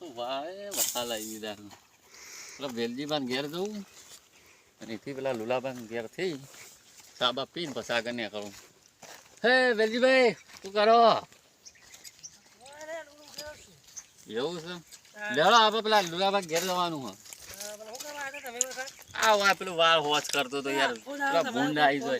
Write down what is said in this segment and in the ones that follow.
Y વખા લાવી દીધા પેલા વેલજીબાન ઘેર જવું અને એથી પેલા લુલાબાન ઘેર થઈ સાબા પીને પછી આગળ ને કરું. હે વેલજીભાઈ શું કરો? એવું છે લેવડો આપણે પેલા લુલાબાન ઘેર જવાનું હોય. આ વા પેલું વાળ હોચ કરતો તો યાર પેલા ભૂંડ આવી જાય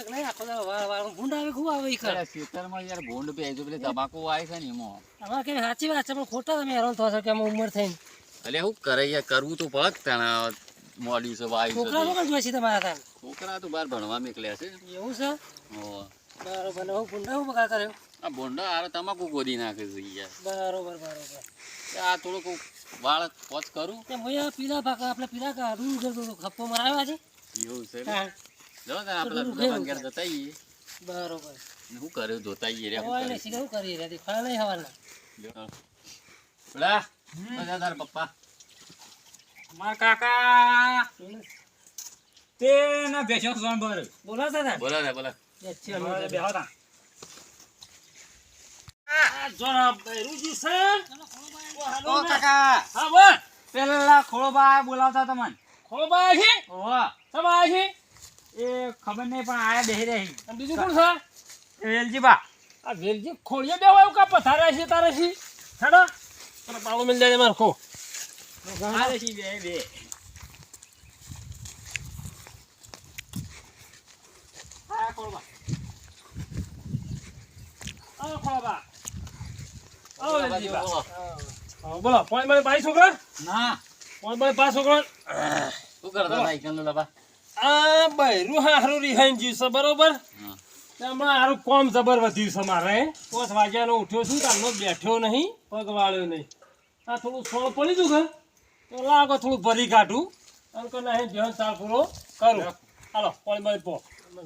ખેતરમાં યાર ભૂંડ પે આવી પેલી તમાકુ આવી છે ને એમાં. સાચી વાત છે પણ ખોટા તમે હેરાન થશો કે અમે ઉંમર થઈને એટલે શું કરે યાર કરવું તો પડે તણા મોડ્યું છે વાયુ છોકરા લોકો જોઈ છે તમારા છોકરા તો બહાર ભણવા નીકળ્યા છે. એવું છે બરોબર હું ભૂંડા હું બગા કર્યો આ ભૂંડા હારે તમાકુ ગોદી નાખે છે યાર. બરોબર આ થોડુંક વાળ પોચ કરું તે મોયા પીલા ભાગ આપણે પીલા કાઢું કરતો તો ખપ્પો મરાવ્યા છે. એવું છે જો ને આપણે દુકાન ઘેર જતા આવીએ. બરોબર શું કર્યું જોતા આવીએ રે શું કરી રહ્યા ખરા નહીં હવાના પેલા બધા તારા પપ્પા મારા કાકા તે ના બેસો સોન બર બોલાતા હતા બોલા રે બોલા બેહોતા જોરા બેરુજી છે ઓ કાકા હા બોલ પેલા ખોળબા બોલાવતા તમને ખોબા છે ઓવા સમા છે એ ખબર નહીં પણ આયા બેહી રહી અને બીજું કોણ છે વેલજીબા આ વેલજી ખોળિયા બેવા એવું કા પથારા છે તારે છે હેડો તને પાળો મિલ જાય માર ખો આલે છી બે બે આ ખોળબા આ ખોબા આવો વેલજીબા બોલો પોઈન્ટ માં 22 છોકરા ના પોઈન્ટ માં 5 છોકરા શું કરતા ભાઈ કંદુ લાબા આ બૈરું હારું રિહાઈન જીવ છે બરોબર હમણાં હારું કોમ જબર વધ્યું છે મારે 5 વાગ્યાનો ઉઠ્યો છું તારનો બેઠ્યો નહીં પગ વાળ્યો નહીં આ થોડું સોળ પડી ગયું કે તો લાગો થોડું ભરી કાઢું અને કે નહીં ધ્યાન સાર પૂરો કરું હાલો પોણી બળી પો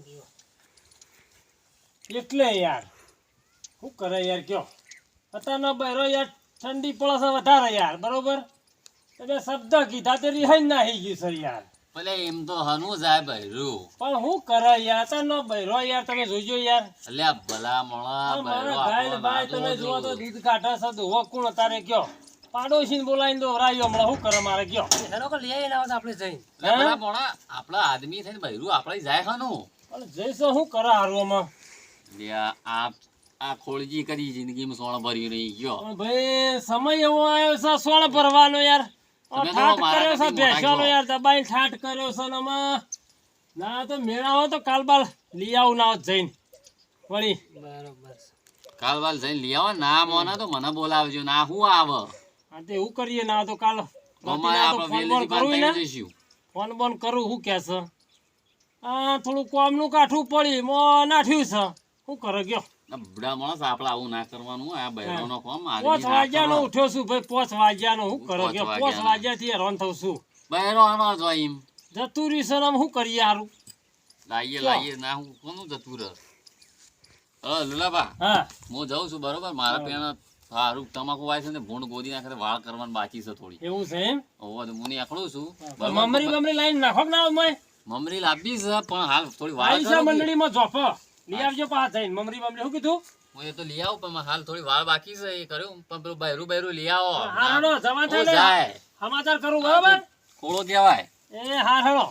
એટલે યાર શું કરે યાર કયો અત્યારનો બૈરો યાર ઠંડી પડે છે વધારે યાર બરોબર તમે શબ્દ કીધા તે રિહાઈન નાહી ગયું છે યાર ભલે એમ તો હનું જાય બૈરું પણ હું કરે યાર તનો બૈરો યાર તમે જોજો યાર અલ્યા ભલા મોણા મારા ગાય ભાઈ તમે જોવો તો દૂધ કાઢા છે દોહો કોણ તારે કયો પાડોશીને બોલાવીને દોરાયો હમણાં શું કરે મારે કયો હેરો કે લઈ આવીને આવતા આપણે જઈને ભલા મોણા આપણા આદમી થઈને બૈરું આપણે જાય હનું પણ જઈશું શું કરે હારવામાં લ્યા આ ખોળજી કરી જિંદગીમાં સોણ ભર્યું નહીં ગયો પણ ભાઈ સમય એવો આવ્યો છે સોળ ભરવાનો યાર તમે તો ઠાઠ મારા કર્યો છે કરતી મોટા ભેંસોનો છો. યાર દબાઈ ઠાઠ કર્યો છે ને આમાં ના તો મેળાવો તો કાલ બાલ લઈ આવું ના હોત જઈને વળી બરોબર કાલ વાલ જઈને લઈ આવો ના મોના તો મને બોલાવજો ના હું આવે હા તો એવું કરીએ ના તો કાલ અમારે આપણે વેલેથી બાર થઈને જઈશું. ફોન બોન કરું શું કે છે આ થોડું કોમનું કાઠું પડી મો નાઠ્યું છે શું કરે ગયો આ બુઢા માણસ આપણે આવું ના કરવાનું આ બૈરાનો કોમ 5 વાગ્યાનો ઉઠ્યો છું ભાઈ 5 વાગ્યાનો શું કરે ગયો 5 વાગ્યાથી હેરાન થઉં છું બૈરો આનો જોઈ એમ જતું રહી સર શું કરીએ સારું લાઈએ ના હું કોનું જતું રહે લુલાબા હા હું જાઉં છું બરોબર મારા પેણા સારું તમાકુ વાય છે ને ભૂંડ ગોદી નાખે વાળ કરવાનું બાકી છે થોડી એવું છે એમ હોવા તો હું આકડું છું મમરી લાઈન નાખો કે ના મેં મમરી લાવી છે પણ હાલ થોડી વાળ આઈસા મંડળીમાં જોપો લઈ આવજો પાછ જઈને મમરી શું કીધું હું એ તો લઈ આવું પણ હાલ થોડી વાળ બાકી છે એ કર્યું પણ પેલું બૈરું લઈ આવો હા હેડો જવા ઓ થાય જાય સમાચાર કરું બરાબર ખોળો કહેવાય એ હા હેડો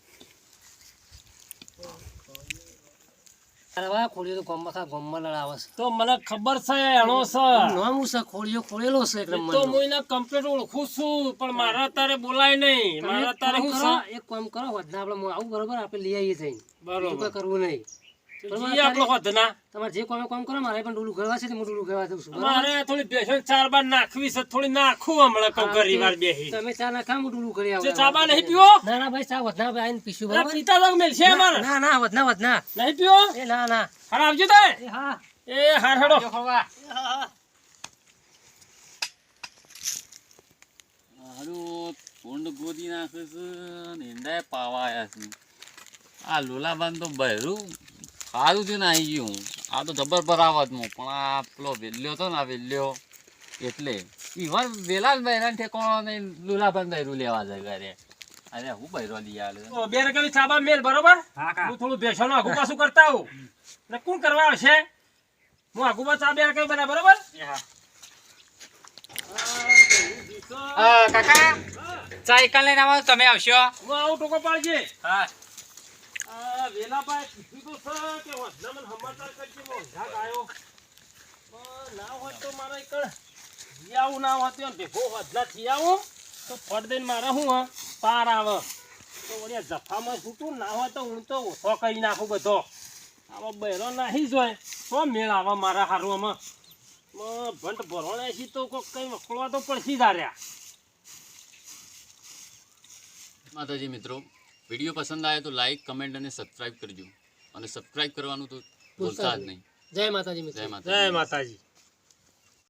અરે ખોળ્યો તો ગોમમાં લડાવે છે તો મને ખબર છે એનો છે નામ છે ખોળ્યો ખોળેલો છે એકદમ તો હું એને કમ્પ્લીટ ઓળખું છું પણ મારા તારે બોલાય નહીં મારા તારે હું છે એક કામ કરો વધના આપણે આવું બરોબર આપણે લઈ આવીએ જઈને બરોબર કરવું નહીં આપણો વધના તમારે જે કામ કરો મારે પણ ડોલું ગળવા છે હું ડોલું ગળવા દઉં છું મારે થોડી બેસન 4 બાર નાખવી છે થોડી નાખું હમણાં કઉ ઘરી વાર બેહી તમે ચા નાખા હું ડોલું કરી આવું ચા બા નહીં પીવો ના ના ભાઈ ચા વધના ભાઈ આઈને પીશું બરાબર પીતા તો મેલ છે અમાર ના ના વધના નહીં પીવો એ ના ના હાર આવજો તે હા એ હાર હેડો હારું ભૂંડ ગોદી નાખે છે ને ઈંડા પાવા આવ્યા છે આ લોલાબાન તો બૈરું સારું થયું ને આવી ગયું આ તો જબર બરાવતમાં પણ આ પેલો વેલ્યો હતો ને આ વેલ્યો એટલે ઈવન વેલા બૈરાને ઠેકોણો નહીં લુલાબાન બૈરું લેવા જાય ઘરે અરે હું બૈરો લઈ આવ્યો બે રકમ ચાબા મેલ બરોબર હું થોડું બેસવાનું આગુ પાછું કરતા હું ને કોણ કરવા આવશે હું આગુ પાછા બે રકમ બના બરોબર કાકા ચા એકલ લઈને આવો તમે આવશો હું આવું ટોકો પાડજે હા આ વેલાભાઈ કીધું તો છે કે વડનામાં સમાચાર કરજે મોંઘા ગાયો ના હોય તો મારે એક જી આવું ના હોય તો ભેગો વડલા થી આવું તો ફટ દઈને મારે શું હા પાર આવે તો વળી જફામાં છૂટું ના હોય તો હું તો ઓછો કરી નાખું બધો આવા બહેરો નાહી જોય તો મેળ આવે મારા હારવામાં ભંટ ભરવાના છે તો કોઈક કંઈ વખોળવા તો પડશે દાર્યા માતાજી મિત્રો, વિડીયો પસંદ આવે તો લાઈક, કમેન્ટ અને સબસ્ક્રાઇબ કરજો. અને સબસ્ક્રાઇબ કરવાનું તો ભૂલતા જ નહીં. જય માતાજી મિત્રો. જય માતાજી. જય માતાજી.